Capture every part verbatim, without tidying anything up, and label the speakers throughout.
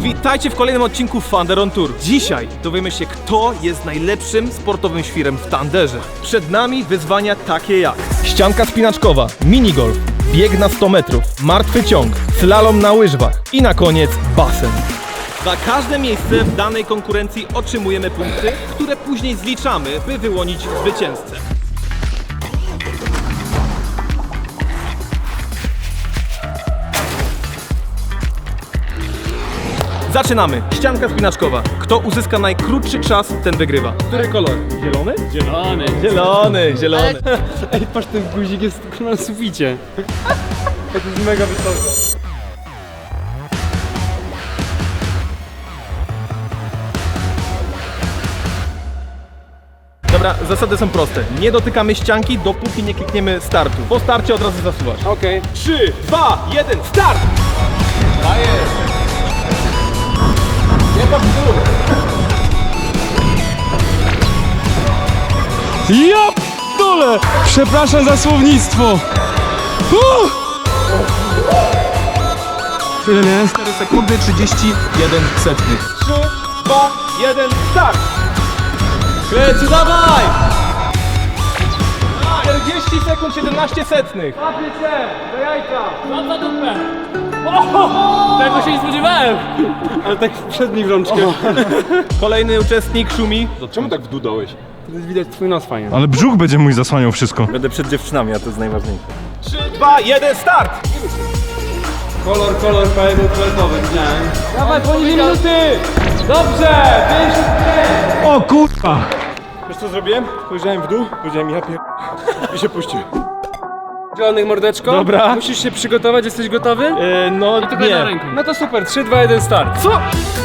Speaker 1: Witajcie w kolejnym odcinku Thunder on Tour. Dzisiaj dowiemy się, kto jest najlepszym sportowym świrem w Thunderze. Przed nami wyzwania takie jak ścianka spinaczkowa, minigolf, bieg na sto metrów, martwy ciąg, slalom na łyżwach i na koniec basen. Za każde miejsce w danej konkurencji otrzymujemy punkty, które później zliczamy, by wyłonić zwycięzcę. Zaczynamy! Ścianka spinaczkowa. Kto uzyska najkrótszy czas, ten wygrywa. Który kolor? Zielony?
Speaker 2: Zielony.
Speaker 1: Zielony, zielony.
Speaker 2: Ej, patrz, ten guzik jest na suficie. To jest mega wysoko.
Speaker 1: Dobra, zasady są proste. Nie dotykamy ścianki, dopóki nie klikniemy startu. Po starcie od razu zasuwasz.
Speaker 2: Okej. Okay.
Speaker 1: trzy, dwa, jeden, start! Dajesz! Nie ma w dół!
Speaker 2: Ja p***dolę! Przepraszam za słownictwo! Uh! Tyle nie?
Speaker 1: cztery sekundy, trzydzieści jeden setnych. trzy, dwa, jeden, start! Kręci, dawaj! czterdzieści sekund, siedemnaście setnych.
Speaker 2: Łapię cię! Do jajka! Mam za dupę! Tego się nie spodziewałem! Ale tak przedni w rączkę.
Speaker 1: Kolejny uczestnik szumi.
Speaker 3: Czemu tak w dół dałeś?
Speaker 2: To jest widać twój nos fajnie.
Speaker 4: Ale brzuch będzie mój zasłaniał wszystko.
Speaker 3: Będę przed dziewczynami, a to jest najważniejsze.
Speaker 1: trzy, dwa, jeden, start!
Speaker 2: Kolor, kolor, fajny, toaletowy, widziałem. Dawaj, poniżej minuty! Dobrze! pięćdziesiąt pięć!
Speaker 4: O kurwa!
Speaker 3: Wiesz co zrobiłem? Spojrzałem w dół, powiedziałem ja pier... i się puściłem.
Speaker 2: Zielonych mordeczko.
Speaker 1: Dobra.
Speaker 2: Musisz się przygotować, jesteś gotowy?
Speaker 1: Yy, no nie.
Speaker 2: No to super, trzy, dwa, jeden, start.
Speaker 1: Co?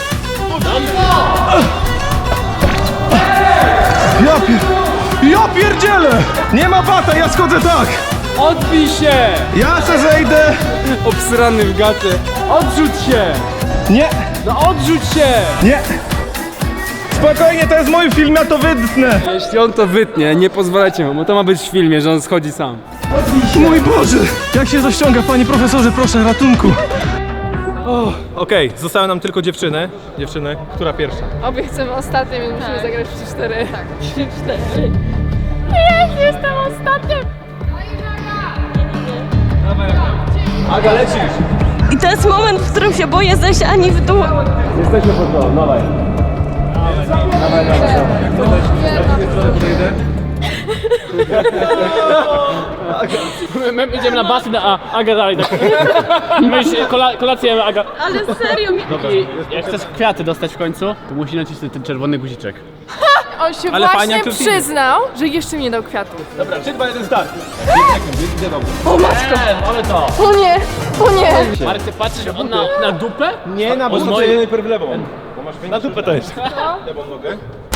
Speaker 4: Ja pier... Ja pierdzielę! Nie ma bata, ja schodzę tak!
Speaker 2: Odbij się!
Speaker 4: Ja se zejdę!
Speaker 2: Obsrany w gacie. Odrzuć się!
Speaker 4: Nie!
Speaker 2: No odrzuć się!
Speaker 4: Nie! Spokojnie, to jest mój film, ja to wytnę!
Speaker 2: Jeśli on to wytnie, nie pozwalajcie mu, bo to ma być w filmie, że on schodzi sam.
Speaker 4: Mój Boże! Jak się to ściąga, panie profesorze, proszę, ratunku!
Speaker 1: Okej, okay, zostały nam tylko dziewczyny. Dziewczyny, która pierwsza?
Speaker 5: Obie chcemy ostatnie, więc musimy zagrać w trzy cztery. Tak, trzy cztery. Jest, jestem ostatnia!
Speaker 1: Aga, lecisz!
Speaker 6: I to jest moment, w którym się boję zejść ani w dół.
Speaker 1: Jesteśmy pod to, dawaj. Dawaj, dawaj, dawaj. Jak to
Speaker 7: My idziemy na basen, a Aga dalej tak. Myśl, kola, kolację Aga.
Speaker 6: Ale serio mi...
Speaker 7: I jak chcesz kwiaty dostać w końcu, to musi nacisnąć ten czerwony guziczek.
Speaker 5: On się
Speaker 1: Ale fajnie,
Speaker 5: właśnie
Speaker 1: jak to film.
Speaker 5: przyznał, że jeszcze mi nie dał kwiatów.
Speaker 1: Dobra, trzy, dwa, jeden, start.
Speaker 7: Eee, ale to.
Speaker 5: O nie, o nie!
Speaker 7: Marek, ty patrzysz on na, na dupę?
Speaker 1: Nie, na
Speaker 7: Od
Speaker 1: budę,
Speaker 7: mojej-
Speaker 1: najpierw lewą. Na dupę to jest. Lewą nogę.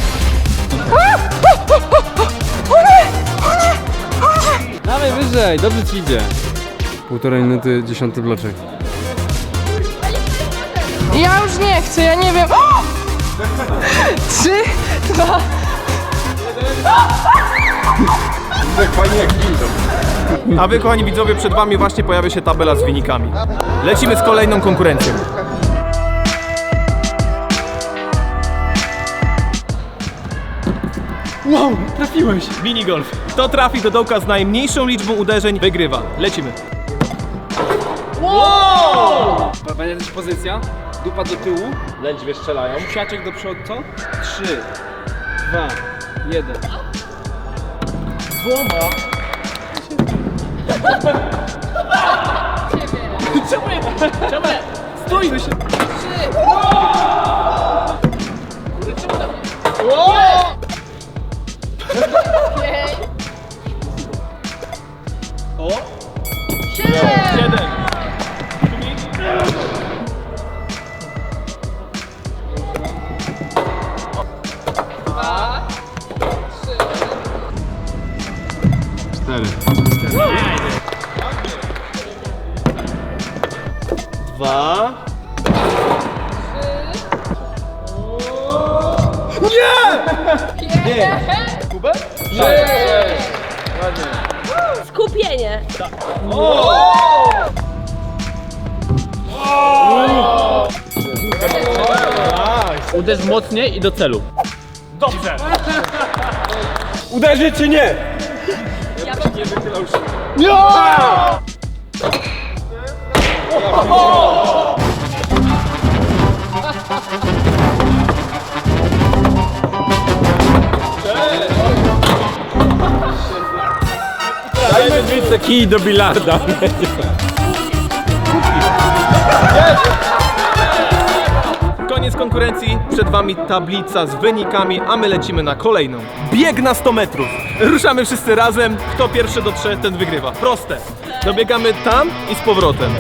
Speaker 2: Dawaj wyżej, dobrze ci idzie. Półtorej minuty, dziesiąty bloczek.
Speaker 5: Ja już nie chcę, ja nie wiem. O! Trzy, dwa.
Speaker 1: A wy, kochani widzowie, przed wami właśnie pojawia się tabela z wynikami. Lecimy z kolejną konkurencją.
Speaker 2: Wow, trafiłeś!
Speaker 1: Minigolf. Kto trafi do dołka z najmniejszą liczbą uderzeń, wygrywa. Lecimy.
Speaker 2: Będzie też pozycja. Dupa do tyłu.
Speaker 1: Lędźwie strzelają.
Speaker 2: Siaczek do przodu, co? Trzy, dwa, jeden.
Speaker 1: Dwoma.
Speaker 7: Czemu? Stój!
Speaker 1: Jeden.
Speaker 3: Cztery.
Speaker 1: Dwa. Kubę?
Speaker 6: Skupienie.
Speaker 7: Uderz mocniej i do celu.
Speaker 1: Dobrze.
Speaker 3: Uderzy czy nie? Dajmy dwie kij do bilarda.
Speaker 1: Koniec konkurencji, przed wami tablica z wynikami, a my lecimy na kolejną. Bieg na sto metrów. Ruszamy wszyscy razem, kto pierwszy dotrze, ten wygrywa. Proste. Dobiegamy tam i z powrotem.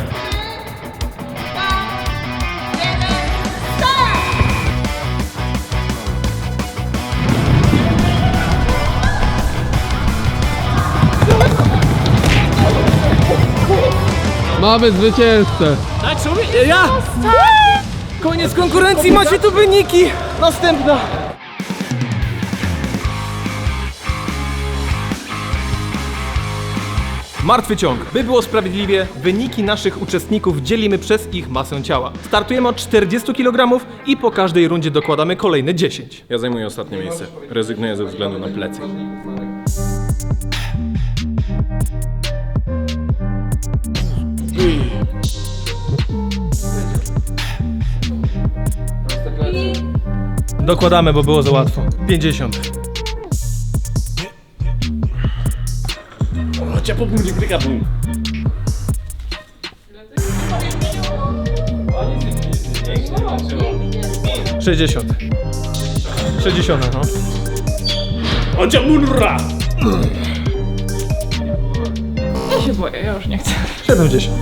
Speaker 2: Mamy zwycięzcę.
Speaker 7: Tak, szumi? Ja!
Speaker 1: Koniec konkurencji, macie tu wyniki. Następna. Martwy ciąg. By było sprawiedliwie, wyniki naszych uczestników dzielimy przez ich masę ciała. Startujemy od czterdziestu kilogramów i po każdej rundzie dokładamy kolejne dziesięć.
Speaker 3: Ja zajmuję ostatnie miejsce. Rezygnuję ze względu na plecy.
Speaker 1: Dokładamy, bo było za łatwo. pięćdziesiąt.
Speaker 7: Chodź, po punkcie klika bum.
Speaker 1: sześćdziesiąt. sześćdziesiąt, no.
Speaker 7: Chodź, munra!
Speaker 5: Ja się boję, ja już nie chcę.
Speaker 1: siedemdziesiąt.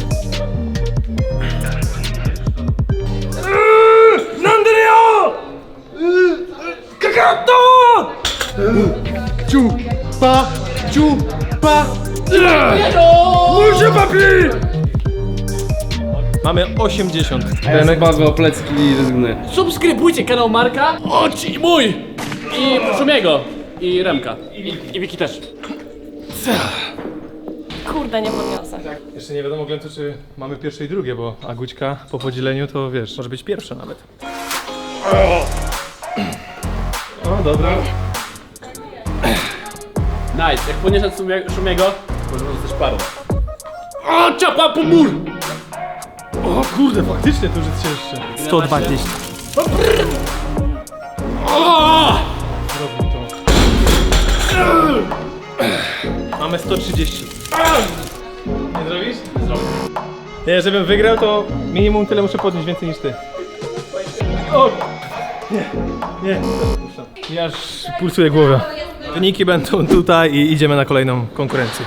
Speaker 1: Mamy osiemdziesiąt.
Speaker 2: Remek bazwa o plecki i rezygnuję.
Speaker 7: Subskrybujcie kanał Marka, chodź i mój! I Szumiego. I Remka. I, i Wiki też.
Speaker 6: Kurde, nie podniosę.
Speaker 1: Jeszcze nie wiadomo, Glencu, czy mamy pierwsze i drugie, bo Agućka po podzieleniu to wiesz, może być pierwsza nawet. O, dobra.
Speaker 7: Nice, jak podniesiesz Szumie- Szumiego, możemy zostać parą. O, ciapa po mur!
Speaker 1: O kurde, faktycznie to już jest cięższe. sto dwadzieścia. Zrobił to. Mamy sto trzydzieści. Nie zrobisz? Zrobię. Nie, żebym wygrał, to minimum tyle muszę podnieść, więcej niż ty. O! Nie, nie. Ja aż pulsuje głowa. Wyniki będą tutaj i idziemy na kolejną konkurencję.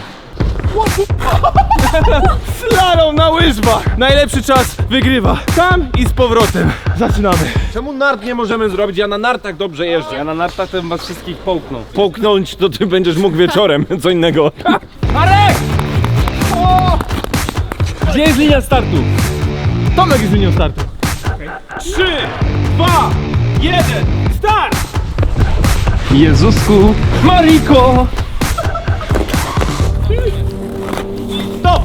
Speaker 1: Slalom na łyżwach! Najlepszy czas wygrywa. Tam i z powrotem. Zaczynamy.
Speaker 3: Czemu nart nie możemy zrobić? Ja na nartach dobrze jeżdżę.
Speaker 2: Ja na nartach to bym was wszystkich połknął.
Speaker 3: Połknąć to ty będziesz mógł wieczorem, co innego.
Speaker 2: Gdzie jest linia startu?
Speaker 1: Tomek jest linią startu. trzy, dwa, jeden, start!
Speaker 2: Jezusku, Mariko!
Speaker 1: Stop!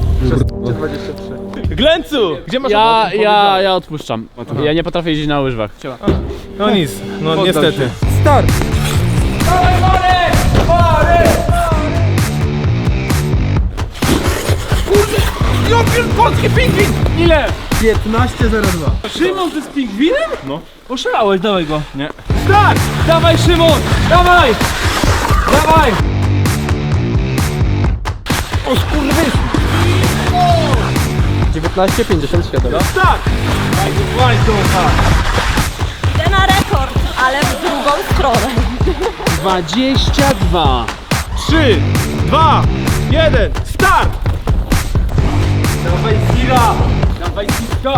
Speaker 1: Glencu! Gdzie masz
Speaker 7: Ja,
Speaker 1: ochotę?
Speaker 7: ja, ja odpuszczam. Ja nie potrafię jeździć na łyżwach.
Speaker 1: No nic, no niestety.
Speaker 2: Start!
Speaker 7: Ile?
Speaker 1: piętnaście zero dwa.
Speaker 2: Szymon, ty z pingwinem?
Speaker 3: No.
Speaker 2: Oszalałeś, dawaj go.
Speaker 3: Nie.
Speaker 2: Start! Dawaj, Szymon! Dawaj! Dawaj!
Speaker 1: dziewiętnaście pięćdziesiąt siedem.
Speaker 6: Idę na rekord, ale w drugą stronę.
Speaker 7: dwadzieścia dwa.
Speaker 1: trzy, dwa, jeden, start!
Speaker 2: Dawaj, Zira! Dawaj, Zira!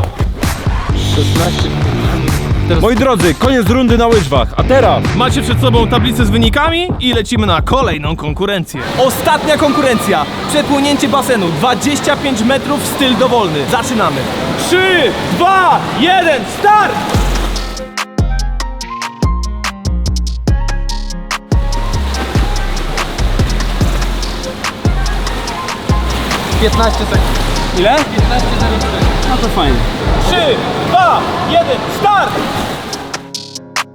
Speaker 3: Moi drodzy, koniec rundy na łyżwach, a teraz
Speaker 1: Macie przed sobą tablicę z wynikami i lecimy na kolejną konkurencję. Ostatnia konkurencja. Przepłynięcie basenu. dwadzieścia pięć metrów, styl dowolny. Zaczynamy. trzy, dwa, jeden, start! piętnaście sekund.
Speaker 2: Ile? piętnaście zero trzy. No to fajnie.
Speaker 1: trzy, dwa, jeden, start!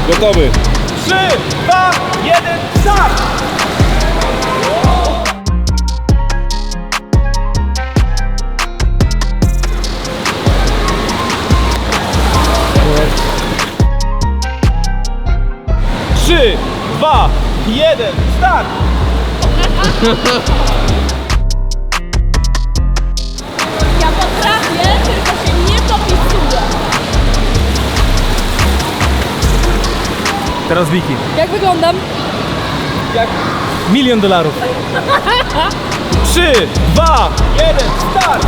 Speaker 3: Gotowy.
Speaker 1: trzy, dwa, jeden, start! Trzy, dwa, jeden, start!
Speaker 6: Ja potrafię, tylko się nie popisuję.
Speaker 1: Teraz Wiki.
Speaker 5: Jak wyglądam?
Speaker 1: Milion dolarów. Trzy, dwa, jeden, start!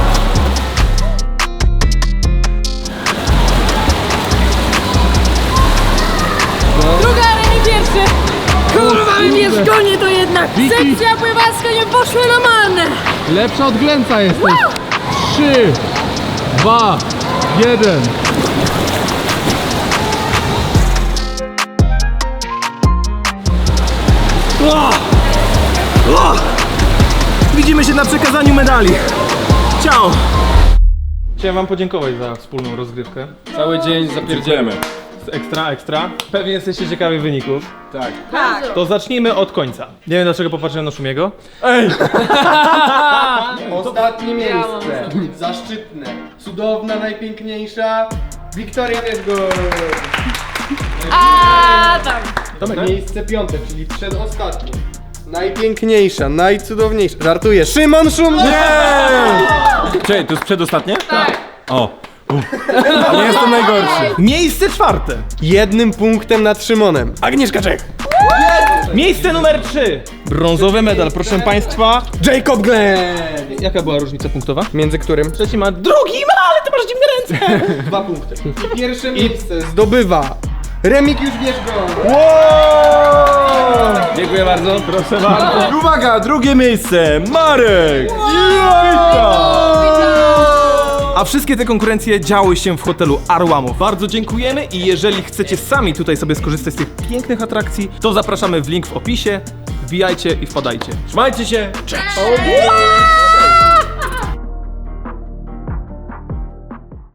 Speaker 5: Druga, Remi pierwszy. Kurwa, mi mnie zgoni to jednak. Sekcja pływacka nie poszła na marne.
Speaker 2: Lepsza od Glęca jesteś. Trzy, dwa, jeden.
Speaker 1: Widzimy się na przekazaniu medali. Ciao! Chciałem wam podziękować za wspólną rozgrywkę.
Speaker 3: Cały dzień zapierdzielemy.
Speaker 1: Ekstra, ekstra. Pewnie jesteście ciekawi wyników.
Speaker 3: Tak.
Speaker 1: To zacznijmy od końca. Nie wiem dlaczego popatrzyłem na Szumiego.
Speaker 8: Ostatnie miejsce. Zaszczytne. Cudowna, najpiękniejsza. Wiktoria Wiesgor.
Speaker 5: A tam.
Speaker 8: Miejsce piąte, czyli przedostatnie. Najpiękniejsza, najcudowniejsza. Żartuję. Szymon Szum!
Speaker 3: Czekaj, to jest przedostatnie? Tak. O. Nie jestem najgorszy.
Speaker 1: Miejsce czwarte.
Speaker 8: Jednym punktem nad Szymonem. Agnieszka Czech.
Speaker 1: Miejsce numer trzy. Brązowy medal, proszę państwa.
Speaker 8: Jacob Glenn.
Speaker 1: Jaka była różnica punktowa?
Speaker 8: Między którym?
Speaker 1: Trzeci ma drugi ma, ale ty masz dziwne ręce.
Speaker 8: Dwa punkty. I pierwsze miejsce zdobywa Remigiusz Wierzgon.
Speaker 3: Dziękuję bardzo. Proszę bardzo. I uwaga, drugie miejsce. Marek.
Speaker 1: A wszystkie te konkurencje działy się w hotelu Arłamów. Bardzo dziękujemy i jeżeli chcecie sami tutaj sobie skorzystać z tych pięknych atrakcji, to zapraszamy w link w opisie. Wbijajcie i wpadajcie.
Speaker 3: Trzymajcie się.
Speaker 1: Cześć!